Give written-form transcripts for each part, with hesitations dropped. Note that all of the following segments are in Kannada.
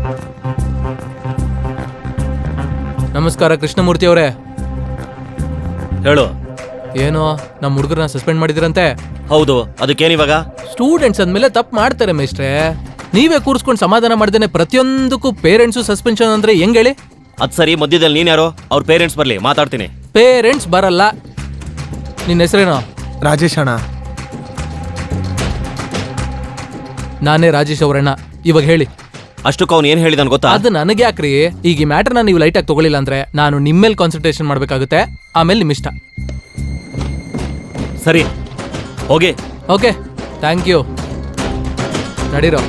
ನಮಸ್ಕಾರ ಕೃಷ್ಣಮೂರ್ತಿ ಅವರೇ. ಹೇಳು. ಏನು ನಮ್ಮ ಹುಡುಗರನ್ನ ಸಸ್ಪೆಂಡ್ ಮಾಡಿದಿರಂತೆ? ಹೌದು, ಅದಕ್ಕೇನಿವಾಗ? ಸ್ಟೂಡೆಂಟ್ಸ್ ಅಂದ್ಮೇಲೆ ತಪ್ಪು ಮಾಡ್ತಾರೆ ಮೇಷ್ಟ್ರೆ. ನೀವೇ ಕೂರಿಸ್ಕೊಂಡು ಸಮಾಧಾನ ಮಾಡ್ದೇನೆ ಪ್ರತಿಯೊಂದಕ್ಕೂ ಪೇರೆಂಟ್ಸು ಸಸ್ಪೆನ್ಷನ್ ಅಂದ್ರೆ ಹೆಂಗ್ ಹೇಳಿ? ಅದ್ ಸರಿ, ಮಧ್ಯದಲ್ಲಿ ನೀನ್ ಯಾರು? ಅವ್ರ ಪೇರೆಂಟ್ಸ್ ಬರ್ಲಿ, ಮಾತಾಡ್ತೀನಿ. ಪೇರೆಂಟ್ಸ್ ಬರಲ್ಲ. ನಿನ್ನ ಹೆಸರೇನೋ? ರಾಜೇಶ್ ಅಣ್ಣ. ನಾನೇ ರಾಜೇಶ್ ಅವರಣ್ಣ. ಇವಾಗ ಹೇಳಿ. ಅಷ್ಟಕ್ಕೆ ಅವ್ನು ಏನ್ ಹೇಳಿದಾನ ಗೊತ್ತಾ? ಅದು ನನಗೆ ಯಾಕ್ರಿ? ಈಗ ಈ ಮ್ಯಾಟರ್ನ ನೀವು ಲೈಟಾಗಿ ತಗೊಳ್ಳಿಲ್ಲ ಅಂದ್ರೆ ನಾನು ನಿಮ್ಮೇಲೆ ಕಾನ್ಸಂಟ್ರೇಷನ್ ಮಾಡ್ಬೇಕಾಗುತ್ತೆ. ಆಮೇಲೆ ನಿಮ್ ಇಷ್ಟ. ಸರಿ, ಹೋಗಿ. Okay, thank you. ನಡೀರೋ.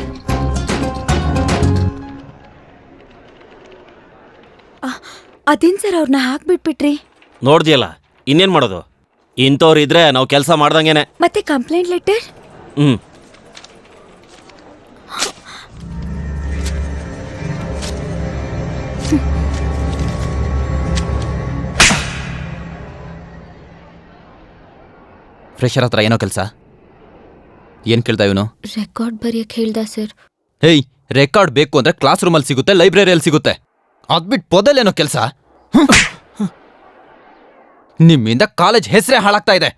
ಅದೇನ್ ಸರ್ ಅವ್ರನ್ನ ಹಾಕ್ಬಿಟ್ಬಿಟ್ರಿ? ನೋಡ್ದಿಯಲ್ಲ, ಇನ್ನೇನ್ ಮಾಡೋದು? ಇಂಥವ್ರು ಇದ್ರೆ ನಾವು ಕೆಲಸ ಮಾಡ್ದಂಗೆನೆ. ಮತ್ತೆ ಕಂಪ್ಲೇಂಟ್ ಲೆಟರ್? ಫ್ರೆಶರ್ ಹತ್ರ ಏನೋ ಕೆಲಸ? ಏನ್ ಕೇಳ್ತಾ ಇವನು? ರೆಕಾರ್ಡ್ ಬರೆಯಕ್ಕೆ ಹೇಳ್ದ ಸರ್. ಹೇಯ್, ರೆಕಾರ್ಡ್ ಬೇಕು ಅಂದ್ರೆ ಕ್ಲಾಸ್ ರೂಮಲ್ಲಿ ಸಿಗುತ್ತೆ, ಲೈಬ್ರರಿಯಲ್ಲಿ ಸಿಗುತ್ತೆ. ಅದ್ಬಿಟ್ಟು ಪೊದಲ್ಲೇನೋ ಕೆಲಸ? ನಿಮ್ಮಿಂದ ಕಾಲೇಜ್ ಹೆಸರೇ ಹಾಳಾಗ್ತಾ ಇದೆ.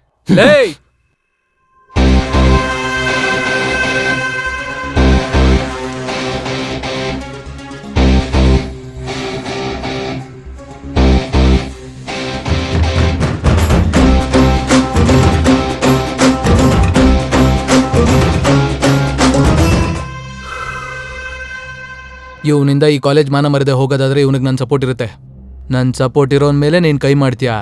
ಇವನಿಂದ ಈ ಕಾಲೇಜ್ ಮಾನ ಮರದೆ ಹೋಗೋದಾದ್ರೆ ಇವನಿಗೆ ನನ್ನ ಸಪೋರ್ಟ್ ಇರುತ್ತೆ. ನನ್ನ ಸಪೋರ್ಟ್ ಇರೋನ್ ಮೇಲೆ ನೀನ್ ಕೈ ಮಾಡ್ತೀಯಾ?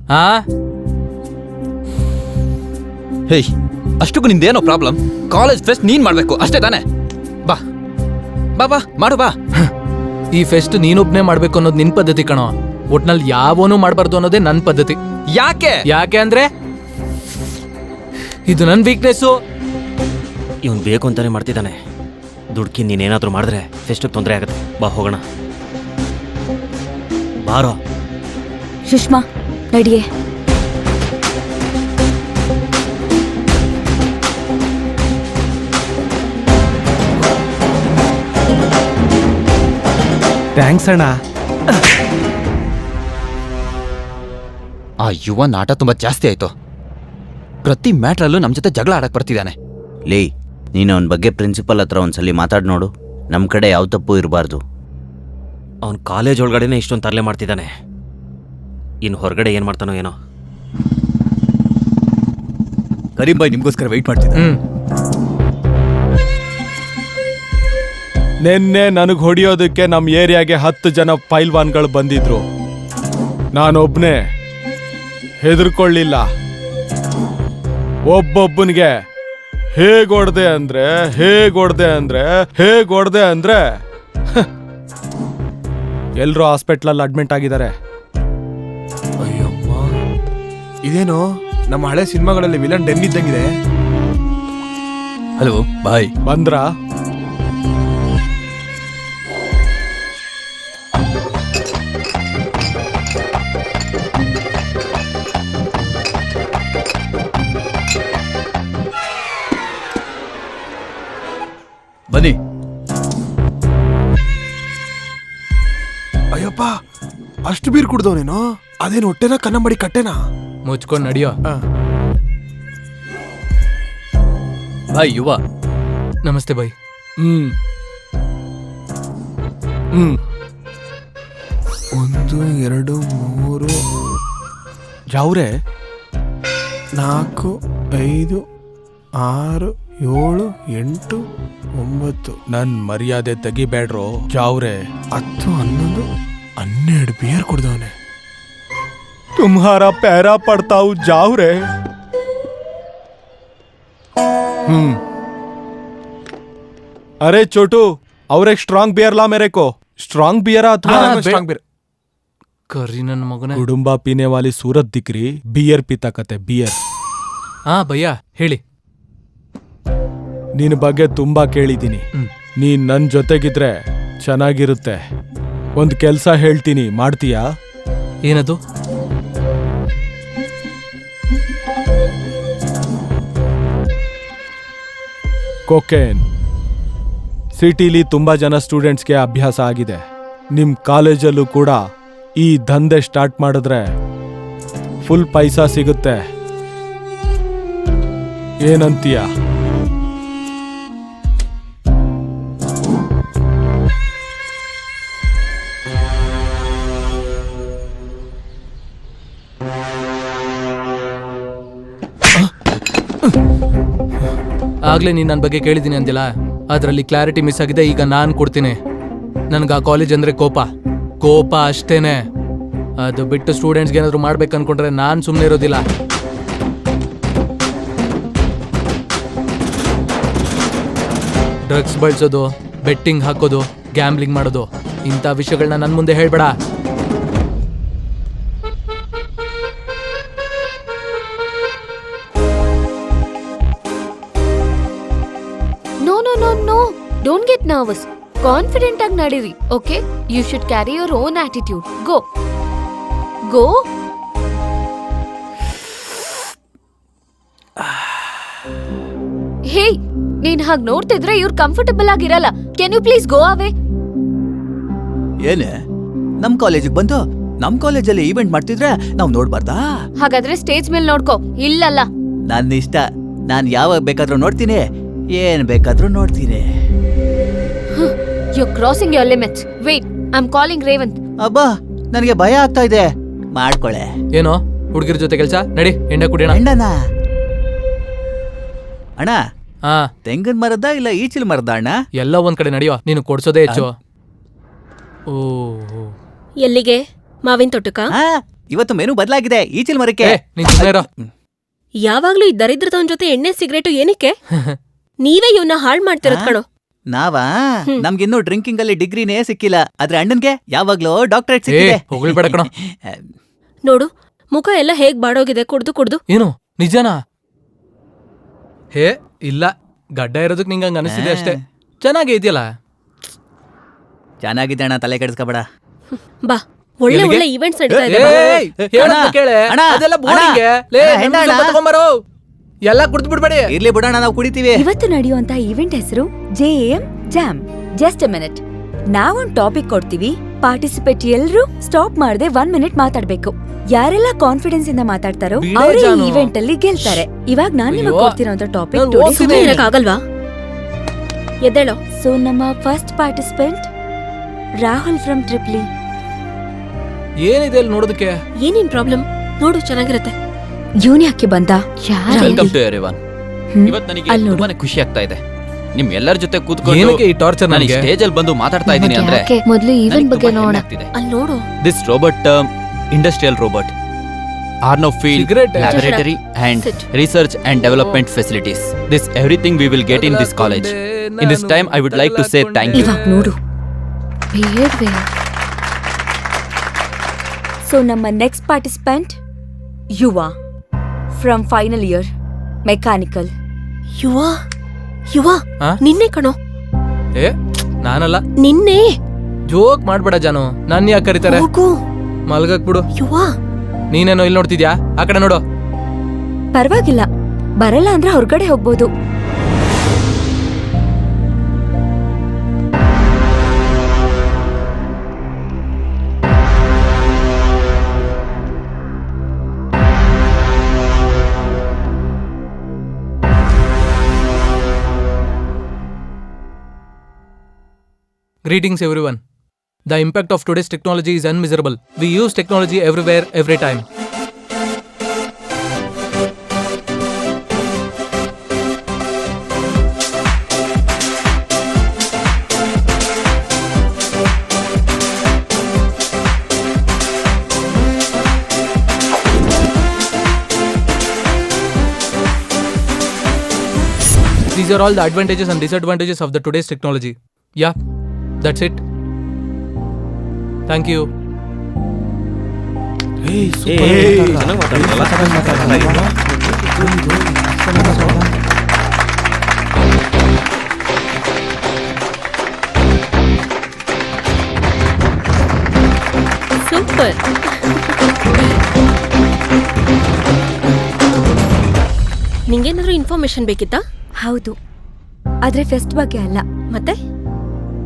ಹೇಯ್, ಅಷ್ಟಕ್ಕೂ ನಿಂದೇನೋ ಪ್ರಾಬ್ಲಮ್? ಕಾಲೇಜ್ ಫೆಸ್ಟ್ ನೀನ್ ಮಾಡ್ಬೇಕು ಅಷ್ಟೇ ತಾನೆ? ಬಾ ಬಾ ಬಾ ಮಾಡು ಬಾ. ಈ ಫೆಸ್ಟ್ ನೀನೊಬ್ನೇ ಮಾಡ್ಬೇಕು ಅನ್ನೋದು ನಿನ್ ಪದ್ಧತಿ ಕಣೋ. ಒಟ್ನಲ್ಲಿ ಯಾವನೂ ಮಾಡ್ಬಾರ್ದು ಅನ್ನೋದೇ ನನ್ ಪದ್ಧತಿ. ಯಾಕೆ ಅಂದ್ರೆ ಇದು ನನ್ ವೀಕ್ನೆಸ್ಸು. ಇವನ್ ಬೇಕು ಅಂತಾನೆ ಮಾಡ್ತಿದ್ದಾನೆ. ದುಡ್ಕಿ ನೀನೇನಾದ್ರೂ ಮಾಡಿದ್ರೆ ಫೆಸ್ಟಿಗೆ ತೊಂದರೆ ಆಗುತ್ತೆ. ಬಾ ಹೋಗೋಣ. ಬಾರೋ. ಸುಷ್ಮಾ ನಡಿಯೇ. ಥ್ಯಾಂಕ್ಸ್ ಅಣ್ಣ. ಆ ಯುವ ನಾಟ ತುಂಬಾ ಜಾಸ್ತಿ ಆಯ್ತು. ಪ್ರತಿ ಮ್ಯಾಟ್ರಲ್ಲೂ ನಮ್ ಜೊತೆ ಜಗಳ ಆಡಕ್ ಬರ್ತಿದ್ದಾನೆ. ಲೇ, ನೀನು ಅವನ ಬಗ್ಗೆ ಪ್ರಿನ್ಸಿಪಲ್ ಹತ್ರ ಒಂದ್ಸಲಿ ಮಾತಾಡಿ ನೋಡು. ನಮ್ಮ ಕಡೆ ಯಾವ ತಪ್ಪು ಇರಬಾರ್ದು. ಅವನು ಕಾಲೇಜ್ ಒಳಗಡೆನೆ ಇಷ್ಟೊಂದು ತರಲೆ ಮಾಡ್ತಿದ್ದಾನೆ. ಇನ್ನು ಹೊರಗಡೆ ಏನು ಮಾಡ್ತಾನೋ ಏನೋ. ಕರೀಂ ಬಾಯ್ ನಿಮ್ಗೋಸ್ಕರ ವೆಯ್ಟ್ ಮಾಡ್ತಿದ್ದೆ. ನಿನ್ನೆ ನನಗೆ ಹೊಡಿಯೋದಕ್ಕೆ ನಮ್ಮ ಏರಿಯಾಗೆ 10 ಜನ ಪೈಲ್ವಾನ್ಗಳು ಬಂದಿದ್ರು. ನಾನೊಬ್ನೇ ಹೆದರ್ಕೊಳ್ಳಿಲ್ಲ. ಒಬ್ಬೊಬ್ಬನಿಗೆ ಹೇಗೊಡ್ದೆ ಅಂದ್ರೆ ಎಲ್ರೂ ಹಾಸ್ಪಿಟ್ಲಲ್ಲಿ ಅಡ್ಮಿಟ್ ಆಗಿದ್ದಾರೆ. ಅಯ್ಯಮ್ಮ, ಇದೇನು ನಮ್ಮ ಹಳೆ ಸಿನಿಮಾಗಳಲ್ಲಿ ವಿಲನ್ ಡೆನ್ ಇದ್ದಂಗಿದೆ. Hello boy. ಬಂದ್ರ? ಬನ್ನಿ. ಅಯ್ಯಪ್ಪ, ಅಷ್ಟು ಬೀರ್ ಕುಡ್ದವನೇನೋ? ಅದೇನು ಹೊಟ್ಟೆನ ಕನ್ನಂಬಡಿ ಕಟ್ಟೆನಾ? ಮುಚ್ಕೊಂಡು ನಡಿಯೋ. ಬಾಯ್ ಯುವ. ನಮಸ್ತೆ ಬಾಯ್. 1 2 3 ಜಾವ್ರೆ 4 5 6 7 8 9. ನನ್ ಮರ್ಯಾದೆ ತೆಗಿಬೇಡ್ರೋ ಜಾವ್ರೆ. 10 11 12 ಬಿಯರ್ ಕುಡ್ದವನೆ. तुम्हारा पैरा पड़ता हूँ जाओ रे. अरे छोटू, और एक स्ट्रांग बियर ला मेरे को. स्ट्रांग बियर अथवा ಸ್ಟ್ರಾಂಗ್ ಬಿಯರ್. ಕರ್ರಿ ನನ್ನ ಮಗನೇ. कुडुंबा पीने वाली सूरत दिख रही, बियर पीता कते बियर. ಭಯ್ಯ ಹೇಳಿ. ನಿನ್ನ ಬಗ್ಗೆ ತುಂಬಾ ಕೇಳಿದ್ದೀನಿ. ನೀನ್ ನನ್ ಜೊತೆಗಿದ್ರೆ ಚೆನ್ನಾಗಿರುತ್ತೆ. ಒಂದ್ ಕೆಲ್ಸ ಹೇಳ್ತೀನಿ, ಮಾಡ್ತೀಯಾ? ಏನದು? कोकेन ಸಿಟಿಲಿ ತುಂಬಾ ಜನ ಸ್ಟೂಡೆಂಟ್ಸ್ಗೆ ಅಭ್ಯಾಸ ಆಗಿದೆ. ನಿಮ್ ಕಾಲೇಜಲ್ಲೂ ಕೂಡ ಈ ದಂಧೆ ಸ್ಟಾರ್ಟ್ ಮಾಡಿದ್ರೆ ಫುಲ್ ಪೈಸಾ ಸಿಗುತ್ತೆ. ಏನಂತೀಯ? ಆಗ್ಲೇ ನೀನ್ ನನ್ನ ಬಗ್ಗೆ ಕೇಳಿದ್ದೀನಿ ಅಂದಿಲ್ಲ, ಅದರಲ್ಲಿ ಕ್ಲಾರಿಟಿ ಮಿಸ್ ಆಗಿದೆ. ಈಗ ನಾನ್ ಕೊಡ್ತೀನಿ. ನನ್ಗೆ ಆ ಕಾಲೇಜ್ ಅಂದ್ರೆ ಕೋಪ ಅಷ್ಟೇನೆ. ಅದು ಬಿಟ್ಟು ಸ್ಟೂಡೆಂಟ್ಸ್ಗೆ ಏನಾದ್ರು ಮಾಡ್ಬೇಕು ಅನ್ಕೊಂಡ್ರೆ ನಾನ್ ಸುಮ್ಮನೆ ಇರೋದಿಲ್ಲ. ಡ್ರಗ್ಸ್ ಬಳಸೋದು, ಬೆಟ್ಟಿಂಗ್ ಹಾಕೋದು, ಗ್ಯಾಮ್ಲಿಂಗ್ ಮಾಡೋದು, ಇಂಥ ವಿಷಯಗಳನ್ನ ನನ್ನ ಮುಂದೆ ಹೇಳ್ಬೇಡ. No, no, no, no. Don't get nervous. Confident ಆಗಿ ನಡೀರಿ. Okay? You should carry your own attitude. Go. Go. Hey, ನೀನ್ ಹಾಗೆ ನೋಡ್ತಿದ್ರೆ ಇವ್ರು ಕಂಫರ್ಟಬಲ್ ಆಗಿರಲ್ಲ. Can you please go away? ಏನೇ ನಮ್ ಕಾಲೇಜಿಗೆ ಬಂದು ನಮ್ ಕಾಲೇಜಲ್ಲಿ ಈವೆಂಟ್ ಮಾಡ್ತಿದ್ರೆ ನಾವ್ ನೋಡ್ಬಾರ್ದಾ? ಹಾಗಾದ್ರೆ ಸ್ಟೇಜ್ ಮೇಲೆ ನೋಡ್ಕೋ. ಇಲ್ಲಲ್ಲ. ನನ್ನ ಇಷ್ಟ. ನಾನ್ ಯಾವಾಗ ಬೇಕಾದ್ರೂ ನೋಡ್ತೀನಿ, ಏನ್ ಬೇಕಾದ್ರೂ ನೋಡ್ತೀನಿ. You're crossing your limits. Wait, I'm calling Revanth. ಅಬ್ಬಾ, ನನಗೆ ಭಯ ಆಗ್ತಾ ಇದೆ. ಮಾಡ್ಕೊಳೆ. ಏನೋ ಹುಡುಗಿರ ಜೊತೆ ಕೆಲಸ? ನಡಿ, ಎಣ್ಣೆ ಕುಡಿಯೋಣ. ಅಣ್ಣನ ಅಣ್ಣ, ಹಾ, ತೆಂಗಿನ ಮರದ ಇಲ್ಲ ಈಚಿಲ್ ಮರದ ಅಣ್ಣ? ಎಲ್ಲ ಒಂದ್ ಕಡೆ ನಡೆಯೋ. ನೀನು ಕೊಡ್ಸೋದೇ ಹೆಚ್ಚು. ಓ, ಎಲ್ಲಿಗೆ? ಮಾವಿನ ತೋಟಕ್ಕ? ಹಾ, ಇವತ್ತು ಮೆನು ಬದಲಾಗಿದೆ. ಈಚಿಲ್ ಮರಕ್ಕೆ. ನೀನ್ ಸುಮ್ಮನೆ ಇರೋ. ಯಾವಾಗ್ಲೂ ಈ ದರಿದ್ರದವನ್ ಜೊತೆ ಎಣ್ಣೆ ಸಿಗರೇಟು ಏನಕ್ಕೆ? ನೀವೇ ಇವನ್ನ ಹಾಳ್ ಮಾಡ್ತಿರೋದ್ ಕಣೋ. ನಾವಾ? ನಮ್ಗಿನ್ನೂ ಡ್ರಿಂಕಿಂಗ್ ಅಲ್ಲಿ ಡಿಗ್ರಿನೇ ಸಿಕ್ಕಿಲ್ಲ. ಆದ್ರೆ ಅಣ್ಣನ್ಗೆ ಯಾವಾಗ್ಲೂ ಡಾಕ್ಟರೇಟ್ ಸಿಕ್ಕಿದೆ. ಹೊಗಳ್ಬೇಡ ಕಣೋ. ನೋಡು, ಮುಖ ಎಲ್ಲ ಹೇಗ್ ಬಾಡೋಗಿದೆ ಕುಡ್ದು. ಏನು ನಿಜನಾ? ಹೇ ಇಲ್ಲ, ಗಡ್ಡ ಇರೋದಕ್ ನಿಂಗ ಹಂಗ ಅನಿಸ್ತಿದೆ ಅಷ್ಟೇ. ಚೆನ್ನಾಗೇ ಇದೆಯಲ್ಲ. ಚೆನ್ನಾಗಿದೆ ಅಣ್ಣ, ತಲೆ ಕೆಡಿಸ್ಕೋಬೇಡ. ಬಾ, ಒಳ್ಳೆ ಎಲ್ಲಿಗೆ? ಒಳ್ಳೆ ಈವೆಂಟ್ಸ್ ನಡೀತಾ ಇದೆ. ಏಯ್, ಹೇಳೋದ್ನ ಅಣ್ಣ, ಕೇಳೆ. ಅಣ್ಣ, ಅದೆಲ್ಲ ಬೋರಿಂಗೆ. ಲೇ, ಅಣ್ಣ, ನಿಮ್ದು ಅಣ್ಣ. ಸ್ವಲ್ಪ ತಗೊಂಬರೋ. ಎಲ್ಲ ಕುಡ್ದು ಬಿಡ್ಬೇಡಿ. ಇರ್ಲಿ ಬಿಡೋಣ, ನಾವು ಕುಡಿತೀವಿ. ಇವತ್ತು ನಡೆಯುವಂತ ಈವೆಂಟ್ ಹೆಸರು JAM JAM. Just a minute. ನಾವೊಂದ್ ಟಾಪಿಕ್ ಕೊಡ್ತೀವಿ. ಪಾರ್ಟಿಸಿಪೇಟ್ ಎಲ್ರೂ ಸ್ಟಾಪ್ ಮಾಡದೆ 1 ಮಿನಿಟ್ ಮಾತಾಡ್ಬೇಕು. ಯಾರೆಲ್ಲ ಕಾನ್ಫಿಡೆನ್ಸ್ ಇಂದ ಮಾತಾಡ್ತಾರೋ ಬಿಡೆ ಅವರೇ ಜಾನು. ಈವೆಂಟ್ ಅಲ್ಲಿ ಗೆಲ್ತಾರೆ. ಇವಾಗ ನಾನ್ ನಿಮಗೆ ಅಯ್ಯೋ. ಕೊಡ್ತಿರೋಂತ ಟಾಪಿಕ್ ನಾನ್ ಟುಡೇ. ಹೋಗ್ತೀನಿ. ಸುಮ್ನೆ ಇರಕ್ಕಾಗಲ್ವಾ? ಎದ್ದೇಳೋ. ಸೊ ನಮ್ಮ ಫಸ್ಟ್ ಪಾರ್ಟಿಸಿಪೆಂಟ್ ರಾಹುಲ್ ಫ್ರಮ್ ಟ್ರಿಪ್ಲಿ. ಏನಿದೆ ಅಲ್ಲಿ ನೋಡೋದಕ್ಕೆ? ಏನೇನ್ ಪ್ರಾಬ್ಲಮ್? ನೋಡು, ಚೆನ್ನಾಗಿರತ್ತೆ. ಇವನ್ ಯಾಕೆ ಬಂದ? Welcome to everyone. ಹ್ಮ್. ಇವತ್ತು ನನಗೆ ಅಲ್ಲಿ ನೋಡು. ತುಂಬಾನೇ ಖುಷಿ ಆಗ್ತಾ ಇದೆ. ನಿಮ್ ಎಲ್ಲರ ಜೊತೆ ಕೂತ್ಕೊಂಡು ಏನಕ್ಕೆ ಈ ಟಾರ್ಚರ್ ನಾನು ನನಗೆ? ಸ್ಟೇಜ್ ಅಲ್ಲಿ ಬಂದು ಮಾತಾಡ್ತಾ ಇದ್ದೀನಿ ಅಂದ್ರೆ ಯಾಕೆ? ಮೊದ್ಲು ಈವೆಂಟ್ ಬಗ್ಗೆ ನೋಡೋಣ. ಅಲ್ಲಿ ನೋಡು. This robot industrial robot Arno field, Cigarette. laboratory and Sit. research and development facilities. This everything we will get in this college. In this time, I would like to say thank you. ಇವಾಗ ನೋಡು. Behave. ಸೊ ನಮ್ಮ next participant Yuva from final year mechanical. Yuva ಆ? ನಿನ್ನೆ ಕಣೋ. ಏ ನಾನಲ್ಲ. ನಿನ್ನೆ. ಜೋಕ್ ಮಾಡ್ಬೇಡ ಜಾನು. ನನ್ ಯಾಕೆ ಕರೀತಾರೆ? ಹೋಗು. ಮಲ್ಗಕ್ ಬಿಡು. ಯುವ. ನೀನೇನೋ ಇಲ್ಲಿ ನೋಡ್ತಿದ್ಯಾ? ಆ ಕಡೆ ನೋಡು. ಪರವಾಗಿಲ್ಲ, ಬರಲ್ಲ ಅಂದ್ರೆ ಹೊರಗಡೆ ಹೋಗ್ಬೋದು. Greetings everyone. The impact of today's technology is unmeasurable. We use technology everywhere, every time. These are all the advantages and disadvantages of the today's technology. Yeah, that's it. Thank you. ಚೆನ್ನಾಗಿ ಮಾತಾಡಿದ್ರಲ್ಲ? ಸೂಪರ್. ನಿಂಗೇನಾದ್ರೂ ಇನ್ಫಾರ್ಮೇಶನ್ ಬೇಕಿತ್ತಾ? ಹೌದು, ಆದ್ರೆ ಫೆಸ್ಟ್ ಬಗ್ಗೆ ಅಲ್ಲ. ಮತ್ತೆ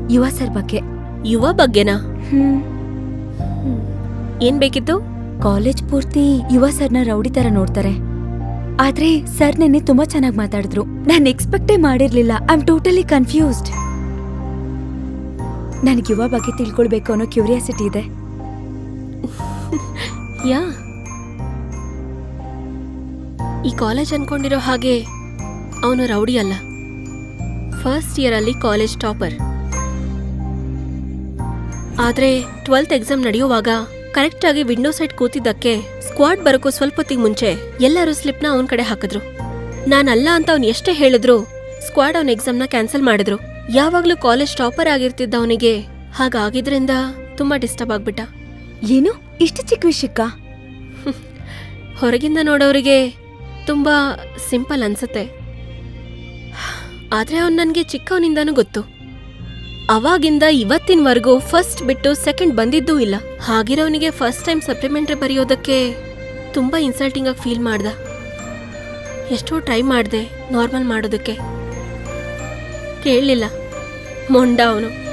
ಯುವ ಸರ್ ಬಗ್ಗೆ. ಯುವ ಬಗ್ಗೆನಾ? ಹ್ಮ್ ಏನ್ ಬೇಕಿತ್ತು? ಕಾಲೇಜ್ ಪೂರ್ತಿ ಯುವ ಸರ್ನ ರೌಡಿ ತರ ನೋಡ್ತಾರೆ. ಆದ್ರೆ ಸರ್ ನೆನ್ನೆ ತುಂಬಾ ಚೆನ್ನಾಗಿ ಮಾತಾಡಿದ್ರು. ನಾನ್ ಎಕ್ಸ್ಪೆಕ್ಟೇ ಮಾಡಿರ್ಲಿಲ್ಲ. I am totally confused. ನನಗೆ ಯುವ ಬಗ್ಗೆ ತಿಳ್ಕೊಳ್ಬೇಕು ಅನ್ನೋ ಕ್ಯೂರಿಯಾಸಿಟಿ ಇದೆ. ಯಾ, ಈ ಕಾಲೇಜ್ ಅನ್ಕೊಂಡಿರೋ ಹಾಗೆ ಅವನು ರೌಡಿ ಅಲ್ಲ. ಫಸ್ಟ್ ಇಯರ್ ಅಲ್ಲಿ ಕಾಲೇಜ್ ಟಾಪರ್. ಆದ್ರೆ 12th ಎಕ್ಸಾಮ್ ನಡೆಯುವಾಗ ಕರೆಕ್ಟ್ ಆಗಿ ವಿಂಡೋ ಸೈಡ್ ಕೂತಿದ್ದಕ್ಕೆ ಸ್ಕ್ವಾಡ್ ಬರೋಕ್ಕೂ ಸ್ವಲ್ಪ ಹೊತ್ತಿಗೆ ಮುಂಚೆ ಎಲ್ಲರೂ ಸ್ಲಿಪ್ನ ಅವನ ಕಡೆ ಹಾಕಿದ್ರು. ನಾನಲ್ಲ ಅಂತ ಅವ್ನು ಎಷ್ಟೇ ಹೇಳಿದ್ರು ಸ್ಕ್ವಾಡ್ ಅವನ ಎಕ್ಸಾಮ್ನ ಕ್ಯಾನ್ಸಲ್ ಮಾಡಿದ್ರು. ಯಾವಾಗ್ಲೂ ಕಾಲೇಜ್ ಟಾಪರ್ ಆಗಿರ್ತಿದ್ದ ಅವನಿಗೆ ಹಾಗಾಗಿದ್ರಿಂದ ತುಂಬಾ ಡಿಸ್ಟರ್ಬ್ ಆಗ್ಬಿಟ್ಟ. ಏನು ಇಷ್ಟು ಚಿಕ್ಕ ವಿಷಯಕ್ಕ? ಹೊರಗಿಂದ ನೋಡೋರಿಗೆ ತುಂಬಾ ಸಿಂಪಲ್ ಅನ್ಸುತ್ತೆ. ಆದ್ರೆ ಅವ್ನು ನನಗೆ ಚಿಕ್ಕವನಿಂದಾನೂ ಗೊತ್ತು. ಅವಾಗಿಂದ ಇವತ್ತಿನವರೆಗೂ ಫಸ್ಟ್ ಬಿಟ್ಟು ಸೆಕೆಂಡ್ ಬಂದಿದ್ದೂ ಇಲ್ಲ. ಹಾಗಿರೋನಿಗೆ ಫಸ್ಟ್ ಟೈಮ್ ಸಪ್ಲಿಮೆಂಟ್ರಿ ಬರೆಯೋದಕ್ಕೆ ತುಂಬಾ ಇನ್ಸಲ್ಟಿಂಗ್ ಆಗಿ ಫೀಲ್ ಮಾಡ್ದ. ಎಷ್ಟೋ ಟ್ರೈ ಮಾಡಿದೆ ನಾರ್ಮಲ್ ಮಾಡೋದಕ್ಕೆ, ಕೇಳಲಿಲ್ಲ. ಮೊಂಡ ಅವನು.